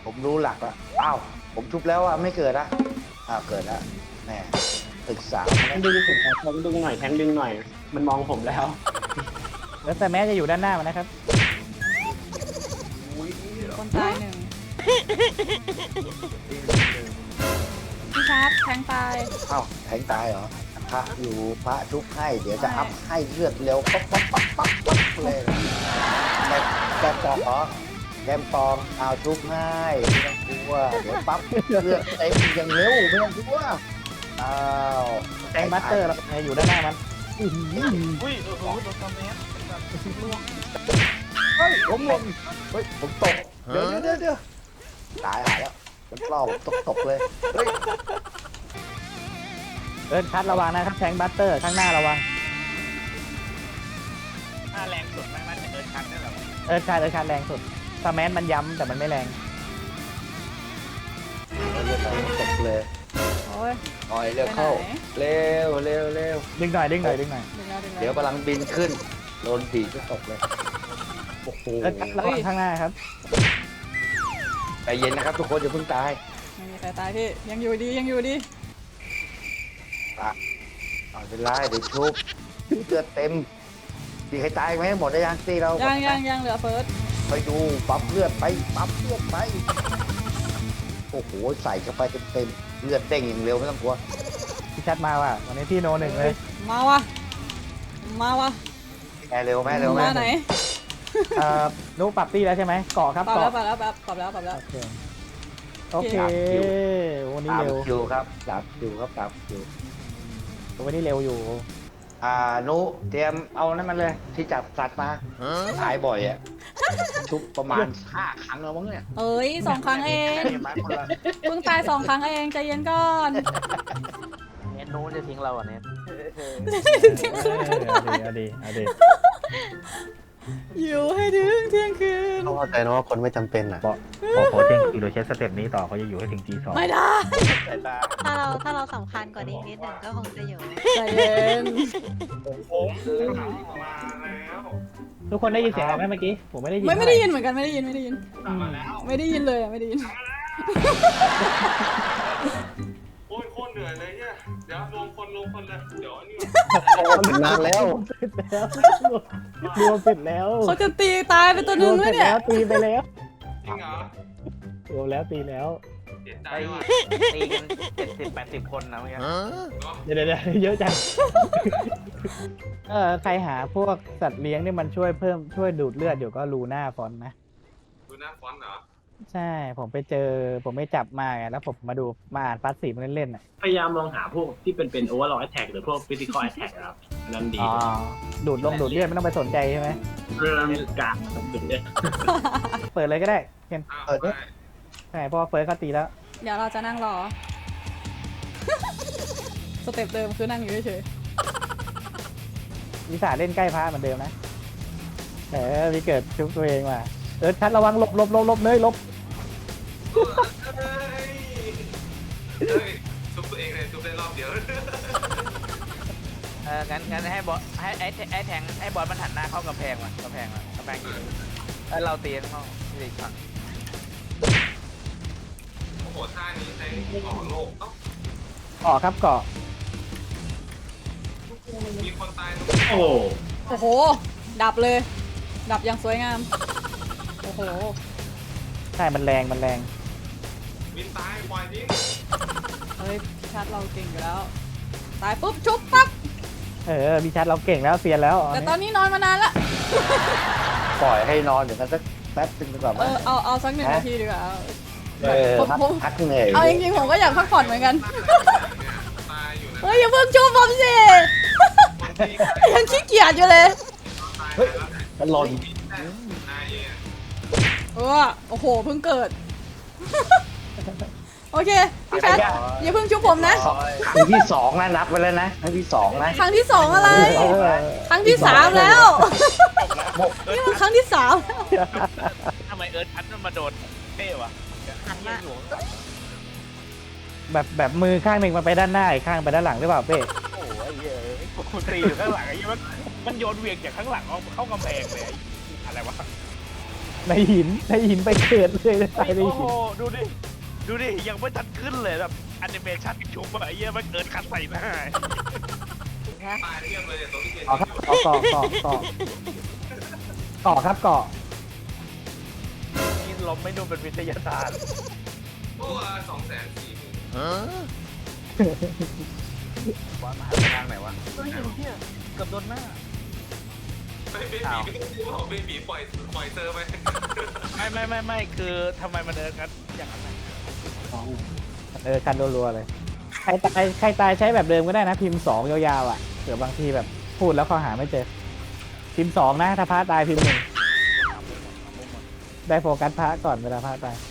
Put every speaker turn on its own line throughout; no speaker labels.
ผมรู้หลักแล้วอ้าวผมทุบแล้วอ่ะไม่เกิดอ่ะอ้าวเกิดแล้วแหมศึกษา
แทงดึงผมแทงดึงหน่อยแทงดึงหน่อย มันมองผมแล้ว
แล้วแต่แม้จะอยู่ด้านหน้ามันนะครับ
คนตายหนึ่งพี่ชาร์จแทงตาย
อ้าวแทงตายเหรอพระอยู่พระทุบให้เดี๋ยวจะอัพให้เลือดเร็วปั๊บปั๊บปั๊บปั๊บปั๊บเลยแกปองเหรอแกมปองเอาทุบให้ไม่ต้องกลัวเดี๋ยวปั๊บเลือดเต็มอย่างเร็วไม่ต้องกลัวอ้าว
แทงบัตเตอร์เราอยู่ด้านหน้ามัน
อุ้ยโดนคอมเมนต์
เฮ้ยผมหล่นเฮ้ยผมตกเดี๋ยวตายหายแล้วมันเปล่าผมตกเลยเฮ้ย
คัดระวังนะครับแทงบัตเตอร์ข้างหน้าระวัง
ถ้าแรงสุดมันจะเดินชันได้หรอ
คัดแรงสุดสแมนมันย้ำแต่มันไม่แรง
เลือดไหลตกเลย
โอ้ย
หน่อยเร็วเข้าเร็ว
ดึงหน่อย
ดึงแล้ว
เดี๋ยวกำลังบินขึ้นโดนผีก็ตกเลยโอ้โห
คัดระวังข้างหน้าครับ
ใจเย็นนะครับทุกคนอย่าเพิ่งตาย
ไม่มีใครตายพี่ยังอยู่ดียังอยู่ดี
เอาเป็นไรเดี๋ยวชุบเลือดเต็มตีใครตายไหมหมดได้ยังตีเรา
ยังเหลือเฟิร์ส
ไปดูปั๊มเลือดไปโอ้โหใส่เข้าไปเต็มเลือดเด้งอย่างเร็วไม่ต้องกลัว
พี่ชัดมาว่ะวันนี้พี่โนหนึ่งเลย
มาวะ
แม่เร็วแม่
มาไหน
นุ๊กปรับตี้แล้วใช่ไหมเกาะครับ
ปรับ
เกาะ
แล้ว
โอเควันนี้
ตาม
เร็ว
คิวครับตามคิว
วันนี้เร็วอยู่
นุเตรียมเอานั่นมันเลยที่จับสัตว์มาตายบ่อยอ่ะชุบประมาณ5 ครั้งแล้วมั้งเนี่ย
เอ้ย2 ครั้งเอง
เห็นไหมคนละ
เพิ่งตาย2 ครั้งเองใจเย็นก่อน
เน็ตนู้นจะทิ้งเราอ่ะเน็ต
เอาดี
อยู่ให้ถึงเที่ยงคืน
ต้องเข้าใจนะว่าคนไม่จำเป็นอ่ะ
พอเที่ยงคืนเราใช้สเต็ปนี้ต่อเขาจะอยู่ให้ถึงG2
ไม่ได้
สายตา
ถ้าเราสำคัญกว่านี้นิดหนึ่งก็คงจะอยู่
ใจเย็น
ผมมาแล้ว
ทุกคนได้ยินเสียงอะไรไหมเมื่อกี้ผมไม่ได้ยิน
ไม่ได้ยินเหมือนกันไม่ได้ยิน
มาแล้ว
ไม่ได้ยินเลยไม่ได้ยิน
โอ้ยโคตรเหนื่อยเลยเนี่ยเดี๋ยวรวมคนเลยเดี๋ยวนี่
นานแล้ว
รวมเสร็จแล้ว
เขาจะตีตายไปตัวหนึงแล้วเนี่ย
ตีไปแล้ว
จริงเหรอ
รวมแล้วตีแล้ว
เสียใจว่ะ
ตีกัน70-80 คนนะเมื่อกี้
เดี๋ยวเยอะจังใครหาพวกสัตว์เลี้ยงนี่มันช่วยดูดเลือดอยู่ก็ลูน่าฟอนต์นะ
ดูหน้าฟอนต์เหรอ
ใช่ผมไม่จับมาไงแล้วผมมาดูมาอ่านพาสซีฟเล่นๆอ่ะ
พยายามลองหาพวกที่เป็นโอเวอร์ลอ แท็กหรือพวกฟิสิคอลแอทแท็กครับอันนั้นดี
ดูดเลือดไม่ต้องไปสนใจใช่ไหม
เรื่องการดุเนี่ย
เปิดเลยก็ได้เคน
อ้าวได้
ใช่เพราะว่าเฟิร์สเขาตีแล้ว
เดี๋ยวเราจะนั่งรอ สเต็ปเดิมคือนั่งอยู่เฉย
วิสาเล่นใกล้พระเหมือนเดิมนะมีเกิดชุบตัวเองมาชัดระวังหลบเลยหลบ
เฮ้ยซุปตัวเองเลยซุปได้รอบเดียว
งั้นให้บอสให้แทงให้บอสมันหันหน้าเข้ากำแพงอยู่แล้วเราตีข้างนอกอีกฝั่ง
โอ้โหท่านี้ใช้ออกโลกเอ้า
เกาะครับเกาะ
มีคนตาย
โอ้
โอ้โห ดับเลย ดับอย่างสวยงาม โอ้โห
ใช่มันแรง
วินตายปล่อยทิ้ง
เฮ้ยพี่ชัดเราเก่งอยู่แล้ว ตายปุ๊บชุบปั๊บ
มีชัดเราเก่งแล้วเซียนแล้ว
แต่ตอนนี้นอนมานานละ
ปล่อยให้นอนเดี๋ยวกันสักแป๊บนึงดีกว่าไหม
เอาสัก1 นาทีดีกว่า
พักเหนื่อย
เอาจริงๆผมก็อยากพักผ่อนเหมือนกัน
ตายอยู่นะ
เฮ้ยอย่าเพิ่งชุบผมสิ ยังขี้เกียจอยู่เลย
เฮ้ยมันหล่น
ตายเอง
โอ้โหเพิ่งเกิด โอเคพี่ชัดอย่าเพิ่งชุบผมนะ
ครั้งที่ 2นะนับไปแล้วนะครั้งที่ 2นะ
ครั้งที่ 2อะไร ครั้งที่ 3แล้ว นี่มันครั้งที่ 3
ทำไมทัดมันมาโดนเท่วะ
หันมา
แบบมือข้างหนึ่งมันไปด้านหน้าอีกข้างไปด้านหลังหรือเปล่าเป้
โอ้ยกูตีอยู่ข้างหลังไอ้ยี่มันโยนเวียงจากข้างหลังเข้ากำแพงเลยอะไรวะ
ในหินไปเกิดเลยตายใน
โอ้โห
หิน
ดูดิยังไม่ทันขึ้นเลยแบบแอนิเมชันชุบอะไรเงี้ยมันเกิดคัดใส่หน้า
ตายเทียบเลยเนี่ยตัวที่เกณฑ์
ต่อครับเกาะครับเกาะ
กินลมไม่ดูเป็นวิทยาศาสตร์
ตัว240,000
บอลมาทางไหนวะเฮ้ยเหี้ยเกือบโดนหน้า
ไม่เบบีไม่ต้องพูดว่าเบบีปล่อยเซอร์ไป
ไม่คือทำไมมันเดินกันอย่างนั้น
กันรัวๆเลยใครตายใช้แบบเดิมก็ได้นะพิมพ์2ยาวๆอ่ะเผื่อบางทีแบบพูดแล้วเขาหาไม่เจอพิมพ์2นะถ้าพระตายพิมพ์1ได้โฟกัสพระก่อนเวลาพระตาย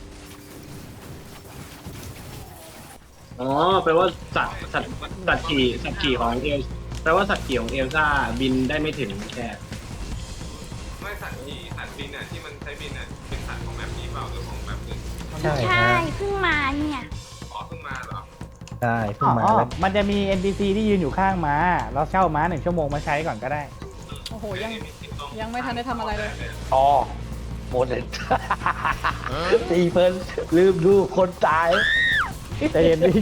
อ๋อแปลว่าสัตว์ขี่ของเอลแปลว่าสัตว์ขี่ของเอลซ่าบินได้ไม่ถึงแค่
ไม่สัตว์บินอ่ะที่มันใช้บินอ่ะเป็นสัตว์ของแบบนี้เปล่าหรือของแบบอื่น
ใช่
ใช่เพิ่งมาเนี่ย
อ๋อเพิ่งมาเหรอ
ใช่เพิ่งมาแล้วมันจะมี NPC ที่ยืนอยู่ข้างม้าเราเช่าม้า1 ชั่วโมงมาใช้ก่อนก็ได้
โอ้โหยังไม่ทันได้ทำอะไรเลย
อ๋อหมดเลยตีเพิ่นลืมดูคนตาย
ใจเย็นดิ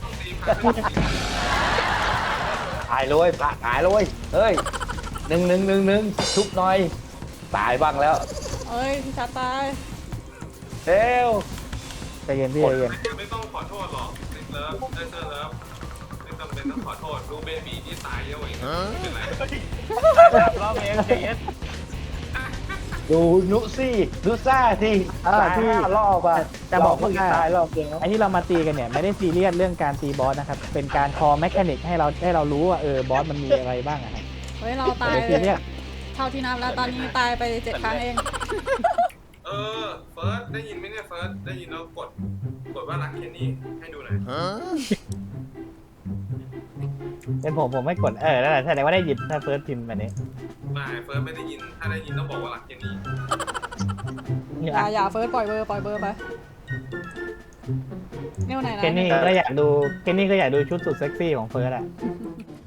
ตายเลยพระตายเลยเฮ้ยหนึ่งชุบหน่อยตายบ้างแล้ว
เอ้ยพี่ชัดตาย
เร็ว
ใจเย็นพี่ใจเย็น
ไม่ต้องขอโทษหรอกเลิฟเลิฟไม่จำเป็นต้องขอโทษดูเบบีที่ตายเยอะกว่าอีกไม่เป็นไร
รอบเองใจเย็น
ดูนุซ่าที่ตาย
ที่
5 รอบอ่ะ
จะบอกว่า
ตายรอบเดียว
ไอ้ที่เรามาตีกันเนี่ยไม่ได้ซีเรียสเรื่องการตีบอสนะครับเป็นการคอแมคานิกให้เรารู้ว่าบอสมันมีอะไรบ้างอะครับ
เฮ้ยเราตาย
ไม่ได้ซีเรียส
เท่าที่นับแล้วตอนนี้ตายไป7 ครั้งเอง
เฟิร์สได้ยินไหมเนี่ยเฟิร์สได้ยินแล้วกดว่ารักเคนนี่ให้ดูหน่อย
เป็นผมไม่กดนั่นแหละแสดงว่าได้ยินถ้าเฟิร์สพิมพ์แบบนี้
ไม่เฟิร์สไม่ได้ยินถ้าได้ยินต้องบอกว่ารักเคนนี่
อย่าเฟิร์สปล่อยเบอร์ไปเนี่ยวันไหนนะ
เคนนี่ก็อยากดูชุดสุดเซ็กซี่ของเฟิร์สอะ